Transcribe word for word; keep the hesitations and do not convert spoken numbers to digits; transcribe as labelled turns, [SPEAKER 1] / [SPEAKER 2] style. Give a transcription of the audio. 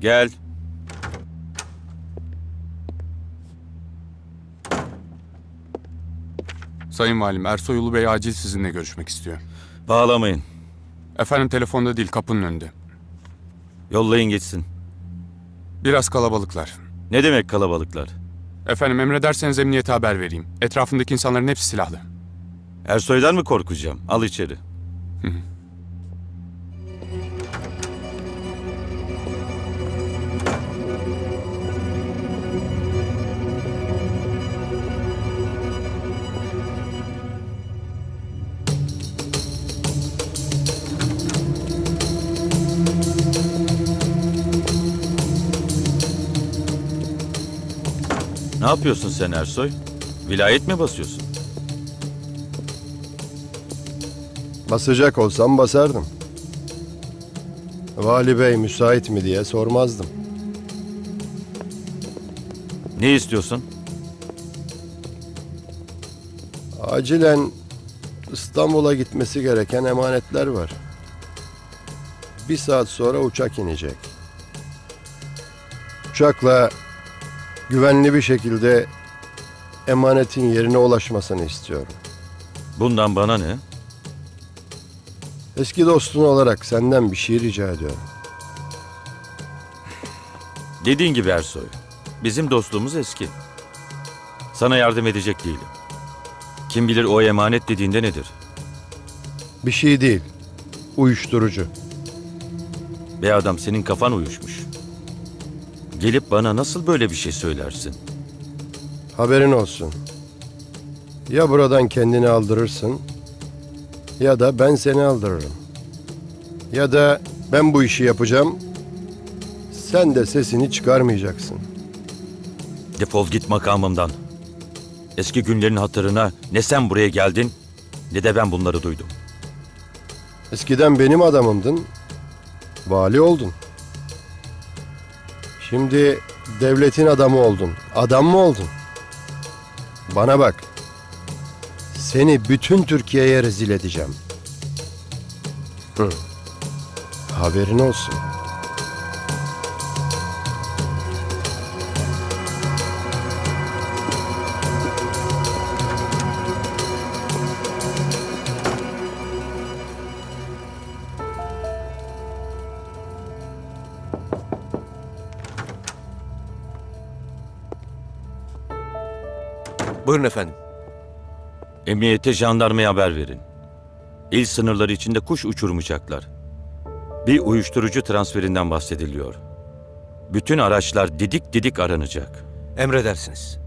[SPEAKER 1] Gel.
[SPEAKER 2] Sayın Valim, Ersoy Ulu Bey acil sizinle görüşmek istiyor.
[SPEAKER 1] Bağlamayın.
[SPEAKER 2] Efendim telefonda değil, kapının önünde.
[SPEAKER 1] Yollayın geçsin.
[SPEAKER 2] Biraz kalabalıklar.
[SPEAKER 1] Ne demek kalabalıklar?
[SPEAKER 2] Efendim emrederseniz emniyete haber vereyim. Etrafındaki insanların hepsi silahlı.
[SPEAKER 1] Ersoy'dan mı korkacağım? Al içeri. Ne yapıyorsun sen Ersoy? Vilayet mi basıyorsun?
[SPEAKER 3] Basacak olsam basardım. Vali Bey müsait mi diye sormazdım.
[SPEAKER 1] Ne istiyorsun?
[SPEAKER 3] Acilen İstanbul'a gitmesi gereken emanetler var. Bir saat sonra uçak inecek. Uçakla güvenli bir şekilde emanetin yerine ulaşmasını istiyorum.
[SPEAKER 1] Bundan bana ne?
[SPEAKER 3] Eski dostun olarak senden bir şey rica ediyorum.
[SPEAKER 1] Dediğin gibi Ersoy. Bizim dostluğumuz eski. Sana yardım edecek değilim. Kim bilir o emanet dediğinde nedir?
[SPEAKER 3] Bir şey değil. Uyuşturucu.
[SPEAKER 1] Be adam, senin kafan uyuşmuş. Gelip bana nasıl böyle bir şey söylersin?
[SPEAKER 3] Haberin olsun. Ya buradan kendini aldırırsın ya da ben seni aldırırım. Ya da ben bu işi yapacağım. Sen de sesini çıkarmayacaksın.
[SPEAKER 1] Defol git makamımdan. Eski günlerin hatırına ne sen buraya geldin ne de ben bunları duydum.
[SPEAKER 3] Eskiden benim adamımdın. Vali oldun. Şimdi devletin adamı oldun. Adam mı oldun? Bana bak. Seni bütün Türkiye'ye rezil edeceğim. Hı. Haberin olsun.
[SPEAKER 4] Buyurun efendim.
[SPEAKER 1] Emniyete, jandarmaya haber verin. İl sınırları içinde kuş uçurmayacaklar. Bir uyuşturucu transferinden bahsediliyor. Bütün araçlar didik didik aranacak.
[SPEAKER 4] Emredersiniz.